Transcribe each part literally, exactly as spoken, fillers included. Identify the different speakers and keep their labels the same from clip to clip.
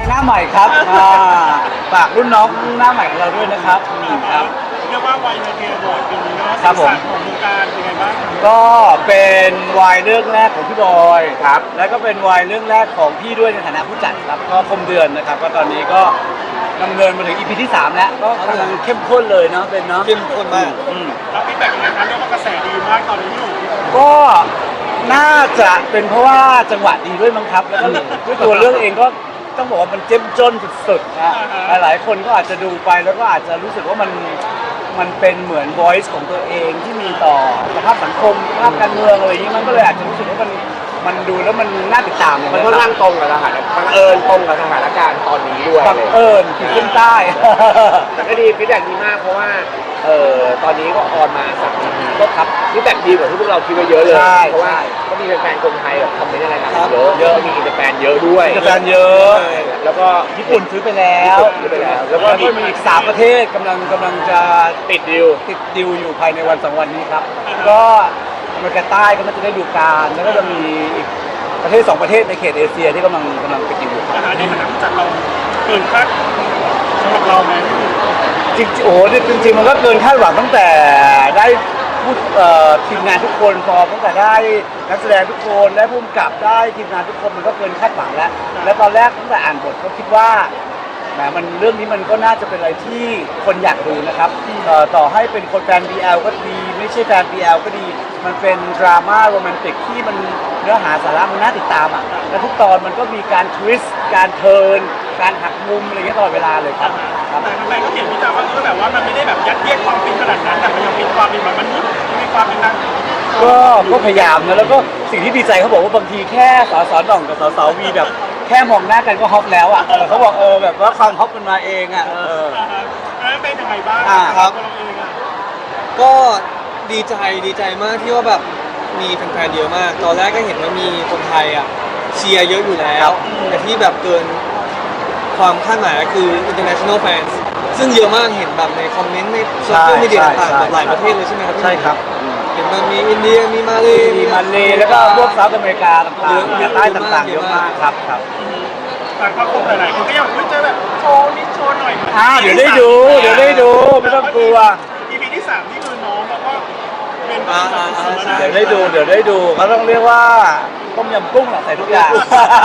Speaker 1: หน้าใหม่ครับฝากรุ่นน้องหน้าใหม่ของเราด้วยนะครับครับ
Speaker 2: เรียกว่าวัยในเทียร์บอร์ดปีนี้เนาะ
Speaker 1: ครับผม
Speaker 2: ของวงการเป็นไงบ้าง
Speaker 1: ก็เป็นวายเรื่องแรกของพี่บอยครับแล้วก็เป็นวายเรื่องแรกของพี่ด้วยในฐานะผู้จัดครับก็คมเดือนนะครับก็ตอนนี้ก็ดำเนินมาถึง อี พี ที่สามแล้วก็กำลังเข้มข้นเลยเนาะเป็นเนาะ
Speaker 3: เข้มข้นมาก
Speaker 2: แล้วฟีดแบ็กยังไงครับเรียกว่ากระแสดีมากตอนนี้อยู่
Speaker 1: ก็น่าจะเป็นเพราะว่าจังหวะดีด้วยมั้งครับแล้วก็ด้วยตัวเรื่องเองก็ต้องบอกว่ามันเจ้มจนสุดๆนะหลายๆคนก็อาจจะดูไปแล้วก็อาจจะรู้สึกว่ามันมันเป็นเหมือน voice ของตัวเองที่มีต่อสภาพสังคมสภาพการเมืองอะไรอย่างนี้มันก็เลยอาจจะรู้สึกว่ามันมันดูแล้วมันน่าติดตาม
Speaker 3: มันก็นั่งตรงกับสถานบังเอิญตรงกับสถานการณ์ตอนนี้ด้วย
Speaker 1: บังเอิญขีดเส้นใต้
Speaker 3: แต่ก็ดีฟีดแบ็กดีมากเพราะว่าเอ่อตอนนี้ก็ออนมาสักก็ครับฟีดแบ็กดีกว่าที่พวกเราคิดไว้เยอะเลยเพราะว่าก็มีแฟนๆคนไทยแบบคอมเมนต์อะไรกันเยอะเยอะมีอินเตอร์แฟนเยอะด้วย
Speaker 1: อินเตอร์แฟนเยอะ
Speaker 3: แล้วก็
Speaker 1: ญี่ปุ่นซื้อไปแล้ว
Speaker 3: ซื้อไปแล้ว
Speaker 1: แล้วก็มีอีกสามประเทศกำลังกำลังจะ
Speaker 3: ติดดิว
Speaker 1: ติดดิวอยู่ภายในวันสองวันนี้ครับก็อเมริกาใต้ก็มันจะได้ดูการแล้วก็จะมีอีกประเทศสองประเทศในเขตเอเชียที่กำลังกำลังไปดิวอยู่
Speaker 2: ในฐานะผู้จัดเราเกินคาดสำหรับเราไหม
Speaker 1: จริงๆโอ้จริงๆมันก็เกินคาดหวังตั้งแต่ได้พูดทีมงานทุกคนพอตั้งแต่ได้นักแสดงทุกคนได้ผู้กำกับได้ทีมงานทุกคนมันก็เกินคาดหวังแล้วแล้วตอนแรกตั้งแต่อ่านบทก็คิดว่าแหมมันเรื่องนี้มันก็น่าจะเป็นอะไรที่คนอยากดูนะครับต่อให้เป็นคนแฟน บี แอล ก็ดีไม่ใช่แฟน บี แอล ก็ดีมันเป็นดราม่าโรแมนติกที่มันเนื้อหาสาระมันน่าติดตามอ่ะและทุกตอนมันก็มีการทวิสต์การเทิร์นการหักมุมอะไรเงี้ยตลอดเวลาเลยครับ
Speaker 2: แต่ทำไมก็เขียนวิจารณ์ว่าก็แบบว่ามันไม่ได้แบบยัดเยียดความฟินขนาดนั้นแต่มันยังมีความเป็นแบบมนุษย์มีความเป็นนัก
Speaker 1: ก็ก็พยายามนะแล้วก็สิ่งที่ดีใจเขาบอกว่าบางทีแค่สสหน่องกับสสวีแบบแค่มองหน้ากันก็ฮอปแล้วอ่ะเขาบอกเออแบบว่าความฮอปมันมาเองอ่ะเออ
Speaker 2: แล้วเป็นยังไงบ้าง
Speaker 3: ครับก็ดีใจดีใจมากที่ว่าแบบมีแฟนๆเยอะมากตอนแรกก็เห็นว่ามีคนไทยอ่ะเชียร์เยอะอยู่แล้วแต่ที่แบบเกินความคาดหมายก็คือ international fans ซึ่งเยอะมากเห็นแบบในคอมเมนต์ในโซเชียลมีเดียต่างๆหลายประเทศเลยใช่ไหมครับ
Speaker 1: ใช่ครับ
Speaker 3: เห็นมันมีอินเดียมีมาเล
Speaker 1: มีมาเลแล้วก็พวกเซาท์อเมริกาต่างๆมีใต้ต่างๆเยอะมากครับครับ
Speaker 2: แต่พอคบหลายๆคนก็อยากจะแบบโชว์นิดโชว์หน่อย
Speaker 1: อ่าเดี๋ยวได้ดูเดี๋ยวได้ดูไม่ต้องกลัว
Speaker 2: อี พี ที่สามนี่คือน้องแล้วก็เป็น
Speaker 1: เดี๋ยวได้ดูเดี๋ยวได้ดูเขาต้องเรียกว่าต้มยำกุ้งแหละใส่ทุกอย่าง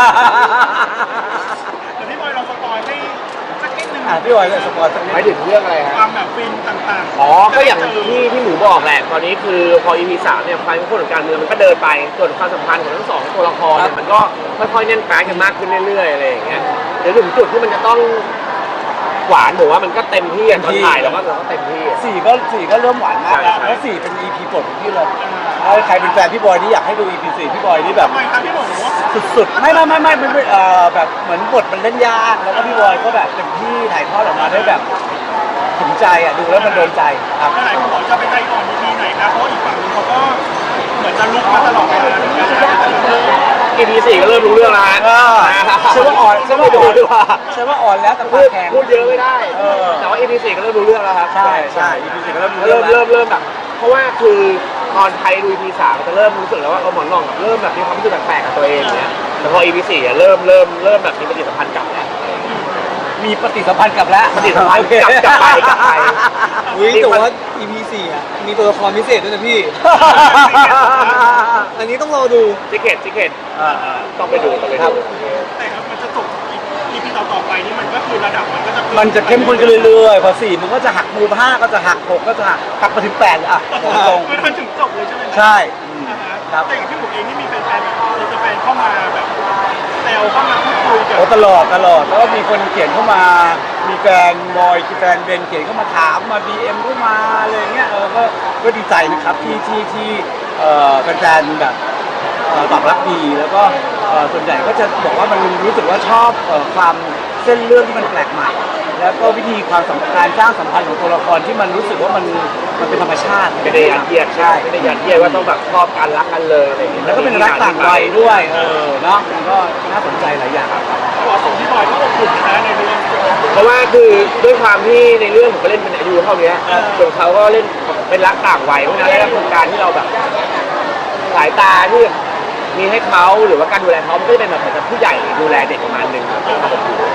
Speaker 2: แต่พี่บอยเราสปอยให้สักนิดนึง
Speaker 1: อ่ะพี่บอยเลยสปอยสักนิด
Speaker 3: หมายถึงเรื่องอะไร
Speaker 2: ครับความแบบฟินต่าง
Speaker 3: ๆอ๋อก็อย่างที่ที่หมูบอกแหละตอนนี้คือพอ อี พี สามเนี่ยความเป็นคนของการเมืองมันก็เดินไปส่วนความสัมพันธ์ของทั้งสองตัวละครเนี่ยมันก็ค่อยๆแน่นแฟ้งกันมากขึ้นเรื่อยๆอะไรอย่างเงี้ยเดี๋ยวถึงจุดที่มันจะต้องหวานผมว่ามันก็เต็มที่ตอนถ่ายแล้วก็เต็มที่
Speaker 1: สี่ก็สี่ก็เริ่มหวานมากแล้วแล้วสี่เป็น อี พี โปรดของพี่เลยใครเป็นแฟนพี่บอยนี่อยากให้ดู อี พี สี่พี่บอยนี่แบบสุดๆไม่ไม่ไม่ไม่ไม่เอ่อแบบเหมือนบทมันเล่นยากแล้วก็พี่บอยก็แบบเต็มที่ถ่ายทอดออกมาได้แบบถึงใจอ่ะดูแล้วมันโดนใจครับ
Speaker 2: หลายคนบอกจะไปใจอ่อน อี พี ไหนนะเพราะอีกฝั่งนึงเขาก็เหมือนจะลุกมาตลอดเวลาเหมือนกัน
Speaker 3: อี พี สี่ก็เริ่มรู้เรื่องแล้วฮะ
Speaker 1: ใช่ว่าอ่อนใช่ว่าอ่อนใช่ว่าอ่อนแล้วแต่
Speaker 3: พูดพูดเยอะไม่ได้แต่ว่า อี พี สี่ก็เริ่มรู้เรื่องแล้วครับ
Speaker 1: ใช่ใช่ อี พี สี่ก็เริ่ม
Speaker 3: เริ่มเริ่มเริ่มแบบเพราะว่าคือตอนไทยดู อี พี สามจะเริ่มรู้สึกแล้วว่าเออหมอนรองเริ่มแบบมีความรู้สึกแปลกๆกับตัวเองเนี่ยแต่พอ อี พี สี่เริ่มเริ่มเริ่มแบบมีปฏิสัมพันธ์กับแล้ว
Speaker 1: มีปฏิสัมพันธ์กับแล้ว
Speaker 3: ปฏิสัมพันธ์กับกับไปกับไป
Speaker 1: อุ้ยแต่ว่า อี พี สี่อ่ะมีตัวละครพิเศษด้วยนะพี่อันนี้ต้องรอดู
Speaker 3: จิเกตจิเกตต้องไปดูต้องไปดู
Speaker 2: แต่ครับมันจะจบ อี พี ต่อๆไปนี่มันก็คือระดับมันก็จะ
Speaker 1: มันจะเข้มข้นขึ้นเรื่อยๆพอสี่มันก็จะหักมุมห้าก็จะหักหกก็จะหักหักไปถึงแปดเลยอ่ะตรง
Speaker 2: ๆมันถึงจบเลยใช่ไหม
Speaker 1: ใช่
Speaker 2: ครับแต่อย่างที่ผมเองนี่มีแฟนๆแบบเราจะแฟนเข้ามาแบบแซวเข้ามาพูดคุยกัน
Speaker 1: โอ้ตลอดตลอดแล้วก็มีคนเขียนเข้ามามีแฟนบอยแฟนเบนเขียนเข้ามาถามมา ดี เอ็ม เข้ามาอะไรเงี้ยเออก็ก็ดีใจนะครับที่ที่ที่เอ่อแฟนๆแบบตอบรับดีแล้วก็ส่วนใหญ่ก็จะบอกว่ามันรู้สึกว่าชอบความเส้นเรื่องที่มันแปลกใหม่แล้วก็วิธีความสัมพันธ์สร้างสัมพันธ์ของตัวละครที่มันรู้สึกว่ามันมันเป็นธรรมชาติ
Speaker 3: ไม่ได้ยัดเยียดใช่ไม่ได้ยัดเยียดว่าต้องแบบชอบกันรักกันเลยอะไรอย่างเงี้ย
Speaker 1: แล้วก็เป็นรักต่างวัยด้วยเออเนาะมันก็น่าสนใจหลายอย่างครับ
Speaker 2: เหมาะสมที่บอยที่อบอุ่นนะในเรื่อง
Speaker 3: เพราะว่าคือด้วยความที่ในเรื่องผมก็เล่นเป็นอายุเท่านี้ส่วนเขาก็เล่นเป็นรักต่างวัยเพราะฉะนั้นแล้วโครงการที่เราแบบสายตาที่มีให้เขาหรือว่าการดูแลเขามันก็จะเป็นแบบเหมือนผู้ใหญ่ดูแลเด็กประมาณนึงครับผม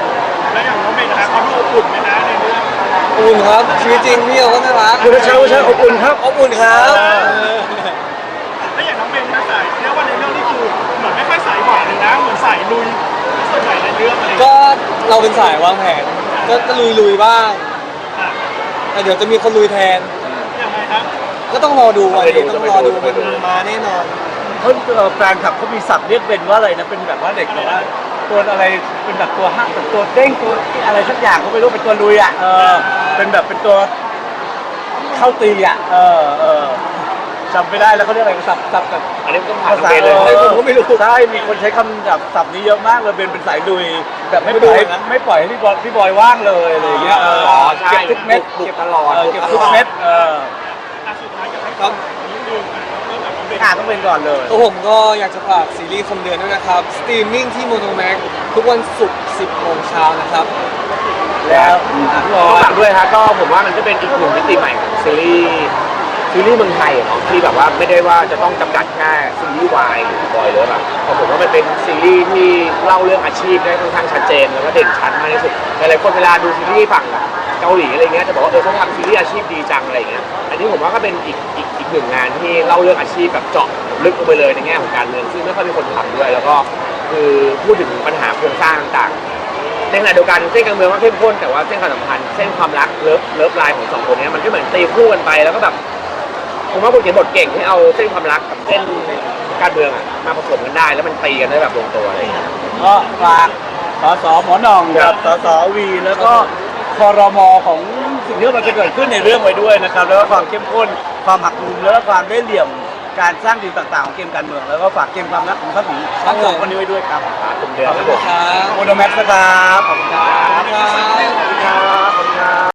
Speaker 2: แล้วอย่างน้องเมย์นะครับเขาดูอบอุ่นไหมนะในเรื่อง
Speaker 3: อุ่นครับชีวิตจริงพี่เขาก็น่ารัก
Speaker 1: คุณเช้าเช้าอบอุ่นครับ
Speaker 3: อบอุ่นครับ
Speaker 2: แล้วอย่างน้องเมย์นะสายเรียกว่าในเรื่องนี่คือเหมือนไม่ค่อยสายหวานเลยนะเหมือนสายลุยส่วนใหญ่ในเรื่องอะไรอย่างเงี้ย
Speaker 3: ก็เราเป็นสายวางแผนก็ก็ลุยลุยๆบ้าง
Speaker 2: อ่ะ
Speaker 3: แต่เดี๋ยวจะมีคนลุยแทน
Speaker 2: ยังไงครับ
Speaker 3: ก็ต้องรอดูวันนี้ต้องรอดูมันมาแน่นอน
Speaker 1: เขาเอ่อแฟนคลับเขามีศัพท์เรียกเป็นว่าอะไรนะเป็นแบบว่าเด็กแบบว่าตัวอะไรเป็นแบบตัวห้างแบบตัวเด้งตัวอะไรสักอย่างเขาไม่รู้เป็นตัวลุยอ่ะเออเป็นแบบเป็นตัวเข้าตีอ่ะเออเออจำไม่ได้แล้วเขาเรียกอะไรศัพท์ศัพท์แบบ
Speaker 4: อันนี้ก็ผ่าน
Speaker 1: ภาษา
Speaker 4: เบนเลย
Speaker 1: เออ
Speaker 3: ผมก็ไม่รู้
Speaker 1: ใช่มีคนใช้คำแบบศัพท์นี้เยอะมากเลยเบนเป็นสายลุยแบบไม่ปล่อย
Speaker 3: ไม่ดูนะ
Speaker 1: ไม่ปล่อยให้พี่บอยพี่บอยว่างเลยอะไรอย่างเงี้ยเออ
Speaker 4: อ๋อใช่
Speaker 1: เก็บทุกเม็ด
Speaker 4: บุก
Speaker 1: เก็บ
Speaker 4: ตลอด
Speaker 1: เออเก็บทุกเม็ดเออ
Speaker 2: อ่ะสุดท้ายอยากให้
Speaker 3: ครับ
Speaker 2: นิดนึงอ่ะเริ่มจากน้องเมย์
Speaker 1: อ่าต้องเป็นก่อนเลย
Speaker 3: ตัวผมก็อยากจะฝากซีรีส์คมเดือนด้วยนะครับ สตรีมมิ่งที่โมโนแม็กทุกวันศุกร์สิบโมงเช้านะครับ
Speaker 1: แล้วอ่ะพี่บ
Speaker 4: ก็
Speaker 1: อย
Speaker 4: ฝากด้วยครับก็ผมว่ามันก็เป็นอีกหนึ่งมิติใหม่ของซีรีส์ซีรีส์เมืองไทยอะเนาะที่แบบว่าไม่ได้ว่าจะต้องจำกัดแค่ซีรีส์วายหรือบอยเลยแบบเพราะผมว่ามันเป็นซีรีส์ที่เล่าเรื่องอาชีพได้ค่อนข้างชัดเจนแล้วก็เด่นชัดมากที่สุดหลายๆคนเวลาดูซีรีส์ฝั่งเกาหลีอะไรเงี้ยจะบอกว่าเออเขาทำซีรีส์อาชีพดีจังอะไรเงี้ยอันนี้ผมว่าก็เป็นอีกอีกอีกหนึ่งงานที่เล่าเรื่องอาชีพแบบเจาะลึกลงไปเลยในแง่ของการเมืองซึ่งไม่ค่อยมีคนทำด้วย แล้วก็คือพูดถึงปัญหาโครงสร้างต่างๆ ในขณะเดียวกันเส้นการเมืองก็เข้มข้นแต่ว่าเส้นความสัมพันธ์เส้นความรักเลิฟเลิฟไลน์ของสองคนเนี้ยมันก็เหมือนตีคู่กันไปแล้วก็แบบผมว่าคนเขียนบทเก่งที่เอาเส้นความรักกับเส้นการเมืองอะมาผสมกันได้ แล้วมันตีกันได้แบบลงตัวอะไรอย่างเงี้ย
Speaker 1: ก็ฝากสสหมอหน่องกับสสวีแล้วก็ครมของสิ่งที่มันจะเกิดขึ้นในเรื่องไว้ด้วยนะครับแล้วก็ความเข้มข้นความหักมุมแล้วก็ความได้เหลี่ยมการสร้างดีลต่างๆของเกมการเมืองแล้วก็ฝากเกมความรักของทั้งสองทั้งสองคนนี้ไว้ด้วยครับ
Speaker 4: ผมเดือน
Speaker 1: ขอบ
Speaker 4: ค
Speaker 1: คุ
Speaker 4: รับ
Speaker 1: ณ
Speaker 4: ผม
Speaker 1: ครับโมโนแม็กซ์นะครับขอบคุณครับ